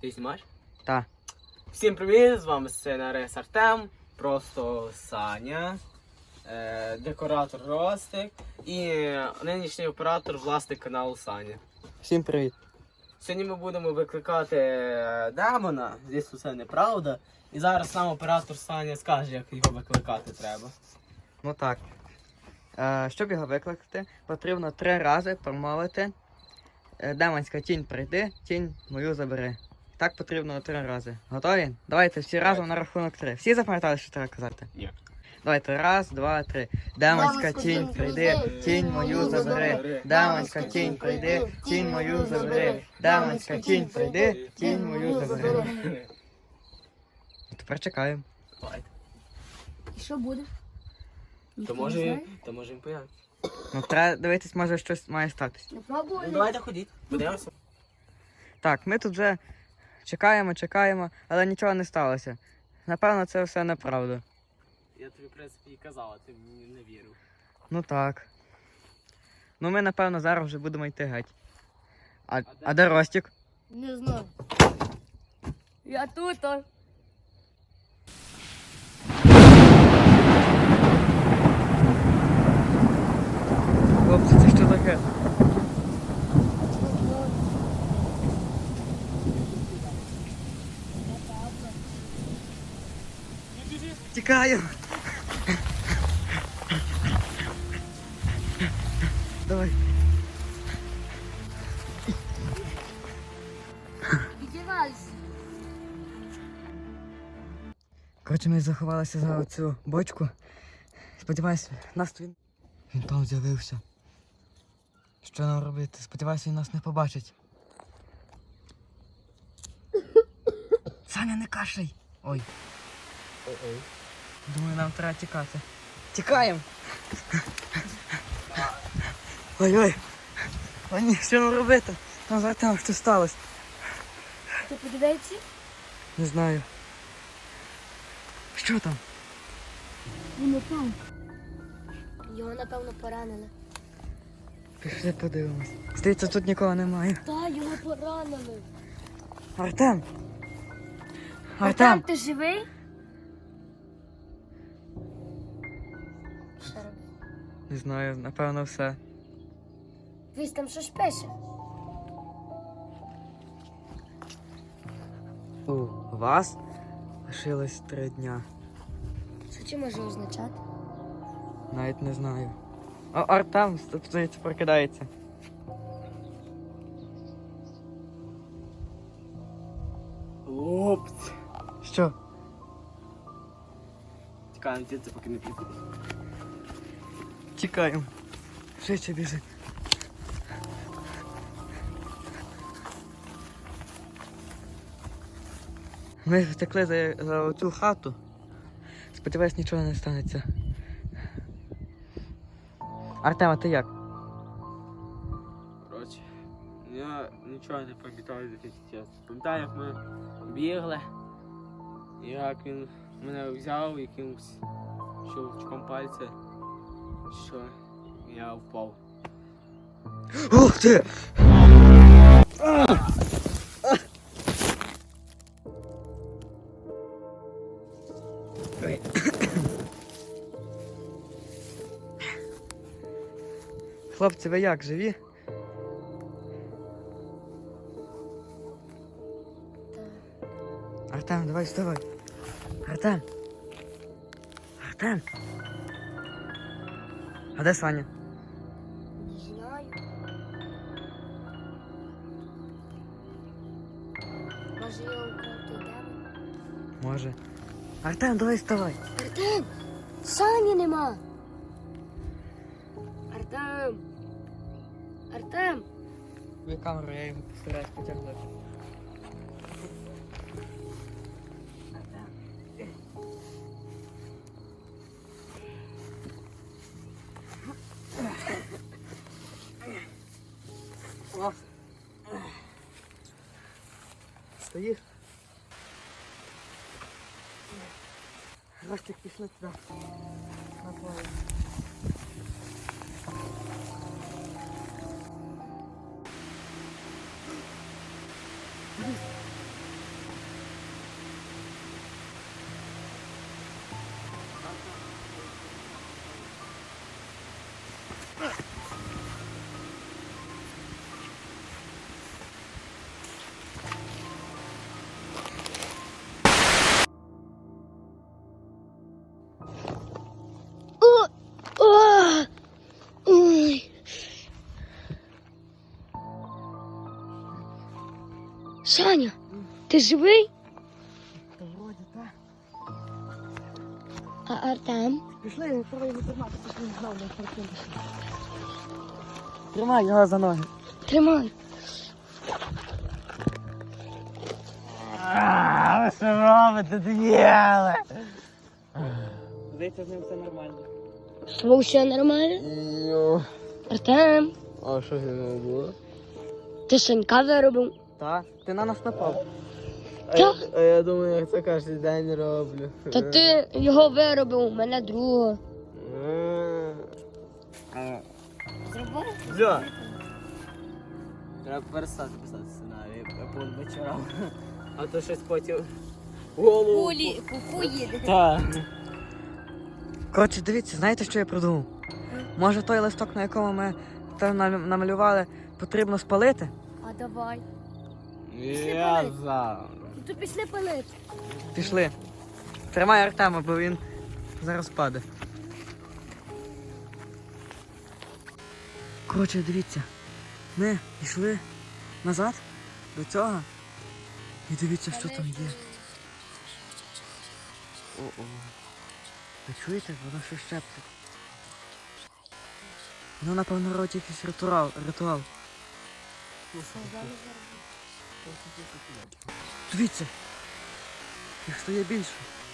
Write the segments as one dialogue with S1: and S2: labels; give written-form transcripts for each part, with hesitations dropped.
S1: Ти знімаєш?
S2: Так.
S1: Всім привіт, з вами сценарист Артем, просто Саня, декоратор Ростик і нинішній оператор, власник каналу Саня.
S2: Всім привіт.
S1: Сьогодні ми будемо викликати демона, звісно це неправда. І зараз нам оператор Саня скаже, як його викликати треба.
S2: Ну так. Щоб його викликати, потрібно 3 рази промовити демонська тінь прийди, тінь мою забери. Так потрібно 3 рази. Готові? Давайте всі разом на рахунок 3. Всі запам'ятали, що треба казати?
S1: Ні.
S2: Давайте, 1, 2, 3. Демонська тінь прийди, тінь мою забери. Демонська тінь прийди, тінь мою забери. Демонська тінь прийди, тінь мою забери. Тепер чекаємо.
S1: Давайте.
S3: І що буде?
S1: То може він появиться.
S2: Ну треба дивитись, може щось має статись.
S3: Не пробували?
S1: Ну давайте ходіть, подивимося.
S2: Так, ми тут вже чекаємо, але нічого не сталося. Напевно, це все неправда.
S1: Я тобі, в принципі, і казав, а ти мені не вірив.
S2: Ну так. Ну ми, напевно, зараз вже будемо йти геть. А де Ростик?
S3: Не знаю. Я тут.
S2: Хлопці, це що таке? Тікаю! Давай.
S3: Відівайся.
S2: Коротше, ми заховалися за оцю бочку. Сподіваюсь, нас він там з'явився. Що нам робити? Сподіваюся, він нас не побачить. Саня, не кашляй! Ой. Думаю, нам треба тікати. Тікаємо! Ой-ой! О ні, що нам робити? Там за Артемом що сталося?
S3: Ти подивися?
S2: Не знаю. Що там?
S3: Він там. Його, напевно, поранили.
S2: Пішли подивимось. Здається, тут нікого немає.
S3: Та, його поранили.
S2: Артем!
S3: Артем, ти живий? Що робити?
S2: Не знаю, напевно все.
S3: Вись там щось пише.
S2: У вас лишилось 3 дня.
S3: Що це може означати?
S2: Навіть не знаю. О, Артем, здається, прокидається.
S1: Хлопці.
S2: Що?
S1: Тікаємо звідси, поки не приходить.
S2: Тікаємо. Швидше біжи. Ми втекли за оцю хату. Сподіваюсь, нічого не станеться. Артем, а ти як?
S1: Коротше, я нічого не пам'ятаю за тих часів. Пам'ятаю, як ми бігли, і як він мене взяв якимось щелчком пальця, що я впав.
S2: Ух ти! Ой. Хлопці, ви як, живі? Артем, давай вставай. Артем. Артем. А де Саня?
S3: Не знаю. Може його украв той демон?
S2: Може. Артем, давай вставай.
S3: Артем! Сані нема! Артем! Артем!
S2: Ви камеру, я його постараюсь потягнути. Стоїш? Ростик, пішли туди. На поле.
S3: Саня, ти живий?
S2: Та вроді так.
S3: А Артем?
S2: Пішли, пора його тримати, пішли, не знав, де Артем пішли. Тримай його за ноги.
S3: Тримай.
S1: Ви що робите, діяли?
S2: Здається, з ним все нормально.
S3: З тобою все нормально? Артем,
S1: А що з ним було?
S3: ти Санька виробив?
S2: Так, ти на нас напав.
S1: А я думаю, як це кожен день роблю.
S3: Та ти його виробив, мене другого. Зробив?
S1: Все. Треба перестати писати сценарій, я по вечорам. А то щось потім голову.
S3: Куку їде.
S1: Так.
S2: Коротше, дивіться, знаєте, що я придумав? Може той листок, на якому ми це намалювали, потрібно спалити?
S3: А давай.
S1: Я за.
S3: Ну то пішли палити.
S2: Пішли. Тримай Артема, бо він зараз паде. Коротше, дивіться. Ми пішли назад до цього. І дивіться, що там є. О-о. Ви чуєте? Воно щось шепче. Воно, напевно, робить якийсь ритуал. Дивіться. Їх стає більше.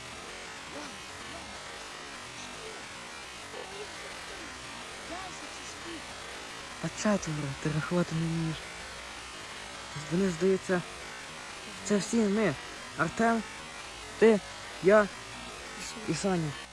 S2: А четверо, ти рахувати не вмієш. Вони, здається, це всі ми. Артем, ти, я і Саня.